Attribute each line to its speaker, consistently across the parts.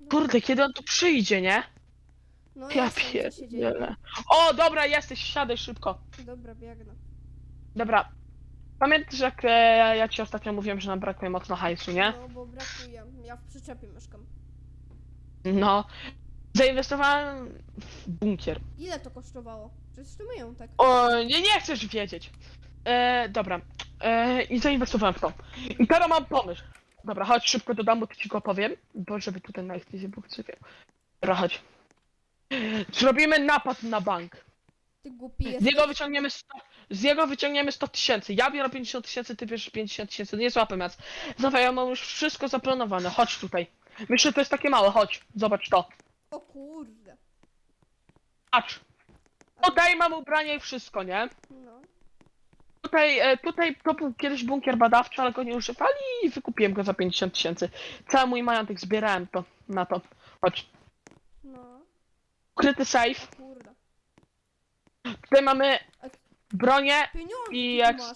Speaker 1: Kurde, kiedy on tu przyjdzie, nie?
Speaker 2: No
Speaker 1: Ja
Speaker 2: jestem, co się dzieje?
Speaker 1: pierdzielę. O, dobra, jesteś, siadaj szybko.
Speaker 2: Dobra, biegnę.
Speaker 1: Dobra. Pamiętasz, jak ja ci ostatnio mówiłem, że nam brakuje mocno hajsu, nie?
Speaker 2: No, bo brakuje. Ja w przyczepie mieszkam.
Speaker 1: No. Zainwestowałem w bunkier.
Speaker 2: Ile to kosztowało? Przecież to majątek.
Speaker 1: O, nie chcesz wiedzieć. Dobra. I zainwestowałem w to. I teraz mam pomysł. Dobra, chodź szybko do domu, to ci go powiem. Bo żeby tutaj na eksplozie był krzywie. Dobra, chodź. Zrobimy napad na bank.
Speaker 2: Ty głupi
Speaker 1: Z niego
Speaker 2: jesteś.
Speaker 1: wyciągniemy 100, z niego wyciągniemy 100 tysięcy. Ja biorę 50 tysięcy, ty bierzesz 50 tysięcy. Nie złapę nas. Zobacz, ja mam już wszystko zaplanowane. Chodź tutaj. Myślę, że to jest takie małe. Chodź, zobacz to.
Speaker 2: O kurde.
Speaker 1: Patrz. Tutaj mam ubranie i wszystko, nie?
Speaker 2: No.
Speaker 1: Tutaj to był kiedyś bunkier badawczy, ale go nie używali i wykupiłem go za 50 tysięcy. Cały mój majątek zbierałem to na to. Chodź.
Speaker 2: No.
Speaker 1: Ukryty safe.
Speaker 2: O kurde.
Speaker 1: Tutaj mamy bronię
Speaker 2: Pieniądze
Speaker 1: i
Speaker 2: ty
Speaker 1: jak...
Speaker 2: tu masz.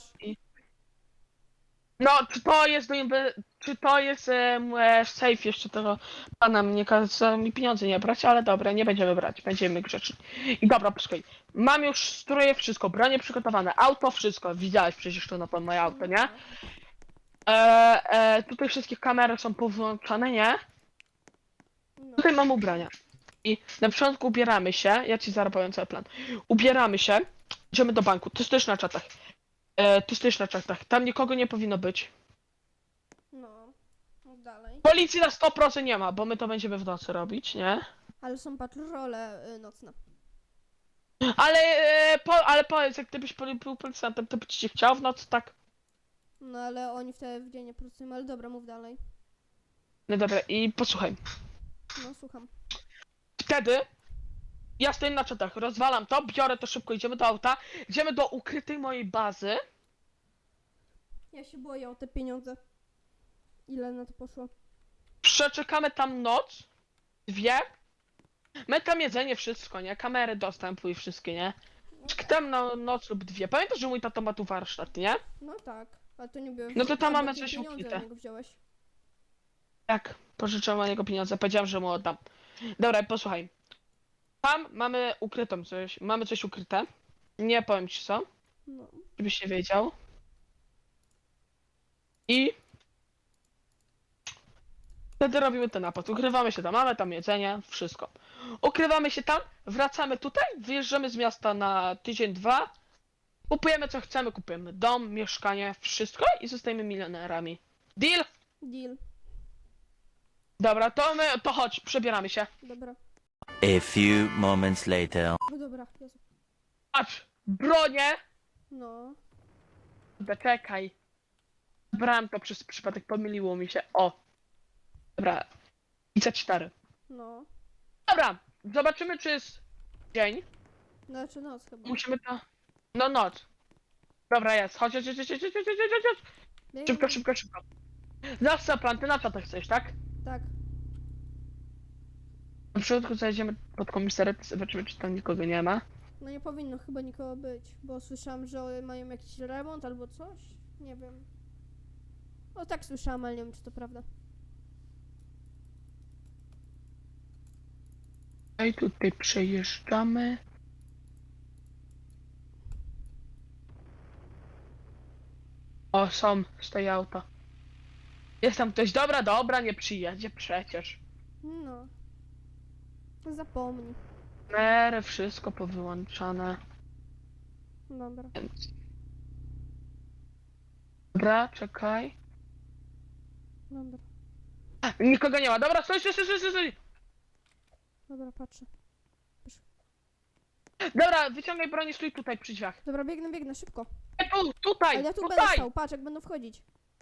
Speaker 1: No, czy to jest safe jeszcze tego pana mnie kazał mi pieniądze nie brać, ale dobra, nie będziemy brać, będziemy grzeczni. I dobra, posłuchaj, mam już stroje, wszystko, bronie przygotowane, auto, wszystko, widziałeś przecież to na pewno moje auto, nie? Tutaj wszystkie kamery są powłączane, nie?
Speaker 2: No.
Speaker 1: Tutaj mam ubrania. I na początku ubieramy się, ja ci zaraz powiem cały plan. Ubieramy się, idziemy do banku, ty stoisz na czatach. Ty stoisz na czatach, tam nikogo nie powinno być.
Speaker 2: No. Mów dalej.
Speaker 1: Policji na 100% nie ma, bo my to będziemy w nocy robić, nie?
Speaker 2: Ale są patrole nocne.
Speaker 1: Ale powiedz, jak gdybyś był policjantem, to by ci się chciał w nocy, tak?
Speaker 2: No ale oni wtedy w dzień nie pracują, ale dobra, mów dalej.
Speaker 1: No dobra, i posłuchaj.
Speaker 2: No, słucham.
Speaker 1: Wtedy ja stoję na czatach, rozwalam to, biorę to szybko, idziemy do auta, idziemy do ukrytej mojej bazy.
Speaker 2: Ja się boję o te pieniądze. Ile na to poszło?
Speaker 1: Przeczekamy tam noc, dwie. My tam jedzenie, wszystko, nie? Kamery dostępu i wszystkie, nie? Tam na noc lub dwie. Pamiętasz, że mój tato ma tu warsztat, nie?
Speaker 2: No tak. Ale to nie było.
Speaker 1: No to tam
Speaker 2: bo
Speaker 1: mamy
Speaker 2: ty
Speaker 1: coś
Speaker 2: pieniądze
Speaker 1: ukryte.
Speaker 2: od niego wziąłeś.
Speaker 1: Tak, pożyczyłem na niego pieniądze, powiedziałem, że mu oddam. Dobra, posłuchaj. Tam mamy ukrytą coś, mamy coś ukryte. Nie powiem ci co,
Speaker 2: No.
Speaker 1: żebyś nie wiedział. I wtedy robimy ten napad. Ukrywamy się tam, mamy tam jedzenie, wszystko. Ukrywamy się tam, wracamy tutaj, wyjeżdżamy z miasta na tydzień, dwa. Kupujemy co chcemy, kupujemy dom, mieszkanie, wszystko i zostajemy milionerami. Deal?
Speaker 2: Deal.
Speaker 1: Dobra, to chodź, przebieramy się.
Speaker 2: Dobra.
Speaker 3: A few moments later.
Speaker 2: No dobra, Jezu.
Speaker 1: Patrz, bronię.
Speaker 2: No.
Speaker 1: Czekaj. Brałem to przez przypadek, pomyliło mi się. O. Dobra. I C4.
Speaker 2: No.
Speaker 1: Dobra, zobaczymy czy jest dzień.
Speaker 2: Znaczy noc chyba.
Speaker 1: Musimy to... No noc. Dobra, jest. Chodź, chodź, chodź, chodź, chodź, chodź, chodź, chodź.
Speaker 2: Biegnę.
Speaker 1: Szybko, szybko, szybko. Znasz co plan, ty na co to chcesz, tak?
Speaker 2: Tak.
Speaker 1: Na początku zajdziemy pod komisariat, zobaczymy czy tam nikogo nie ma.
Speaker 2: No nie powinno chyba nikogo być, bo słyszałam, że mają jakiś remont albo coś. Nie wiem. No tak słyszałam, ale nie wiem czy to prawda.
Speaker 1: I tutaj przejeżdżamy. O, są, stoi auto. Jest tam ktoś, dobra, dobra, nie przyjedzie przecież.
Speaker 2: No. Zapomnij.
Speaker 1: Mery, wszystko powyłączane.
Speaker 2: Dobra.
Speaker 1: Więc... Dobra, czekaj.
Speaker 2: Dobra.
Speaker 1: Nikogo nie ma, dobra, stój, stój, stój, stój, stój.
Speaker 2: Dobra, patrzę.
Speaker 1: Dobra, wyciągaj broń i stój tutaj przy drzwiach.
Speaker 2: Dobra, biegnę, szybko.
Speaker 1: Tutaj,
Speaker 2: Ale ja tu będę
Speaker 1: tutaj!
Speaker 2: stał, patrz jak będą wchodzić.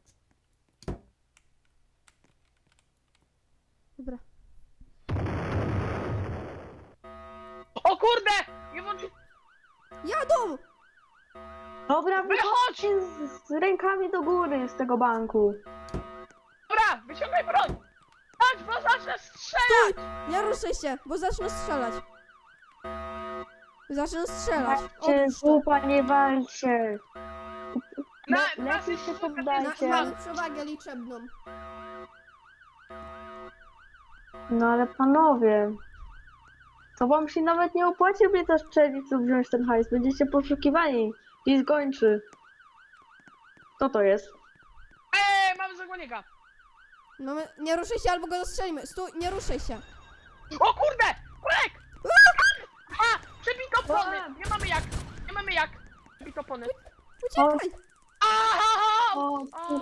Speaker 2: Dobra.
Speaker 1: O kurde! Nie włączy...
Speaker 2: Jadą!
Speaker 4: Dobra,
Speaker 1: Wychodź!
Speaker 4: wychodźcie z rękami do góry z tego banku.
Speaker 1: Dobra, wyciągaj broń! Chodź, bo zacznę strzelać!
Speaker 2: Nie ruszaj się, bo zacznę strzelać. Zacznę strzelać.
Speaker 4: Cię
Speaker 2: Odłóż to.
Speaker 4: zupa, nie walcie.
Speaker 1: Na
Speaker 4: Lepiej się
Speaker 2: Na,
Speaker 4: poddajcie.
Speaker 2: mamy przewagę liczebną.
Speaker 4: No ale panowie, to wam się nawet nie opłaci mnie też strzelić lub wziąć ten hajs. Będziecie poszukiwani i zgończy. Co to jest?
Speaker 1: Mamy zagłonieka!
Speaker 2: No nie ruszaj się, albo go zastrzelimy. Stój, nie ruszaj się.
Speaker 1: O kurde! Kurek! A! Przebito opony! Nie mamy jak! Nie mamy jak! Przebito opony.
Speaker 2: Uciekaj!
Speaker 1: Aha!
Speaker 4: O,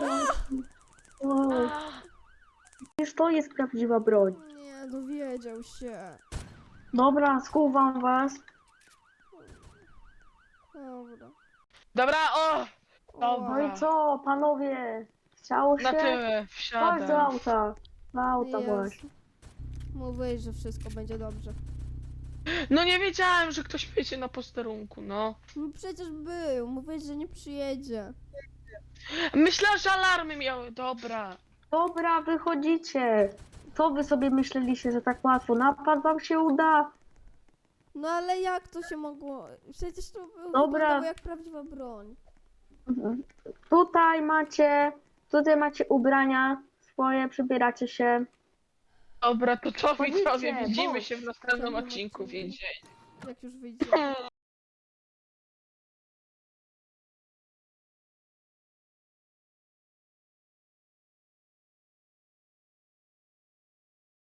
Speaker 4: o, przecież to jest prawdziwa broń.
Speaker 2: Nie, dowiedział się.
Speaker 4: Dobra, skuwam was.
Speaker 2: Dobra.
Speaker 1: Dobra, o!
Speaker 2: O,
Speaker 4: No i co, panowie? Chciało się?
Speaker 1: Na tyły,
Speaker 4: Chodź do
Speaker 1: wsiadam.
Speaker 4: auta. Do auta
Speaker 2: Jezu.
Speaker 4: właśnie.
Speaker 2: Mówiłeś, że wszystko będzie dobrze.
Speaker 1: No nie wiedziałem, że ktoś będzie na posterunku, no.
Speaker 2: No przecież był. Mówiłeś, że nie przyjedzie.
Speaker 1: Myślę, że alarmy miały, dobra.
Speaker 4: Dobra, wychodzicie. Co wy sobie myśleliście, że tak łatwo? Napad wam się uda?
Speaker 2: No ale jak to się mogło? Przecież to
Speaker 4: Dobra.
Speaker 2: wyglądało jak prawdziwa broń.
Speaker 4: Tutaj macie ubrania swoje, przybieracie się.
Speaker 1: Dobra, to co
Speaker 4: Chodźcie,
Speaker 1: widzowie, widzimy
Speaker 4: chodź.
Speaker 1: się w następnym odcinku więzienia.
Speaker 2: Jak już wyjdzie.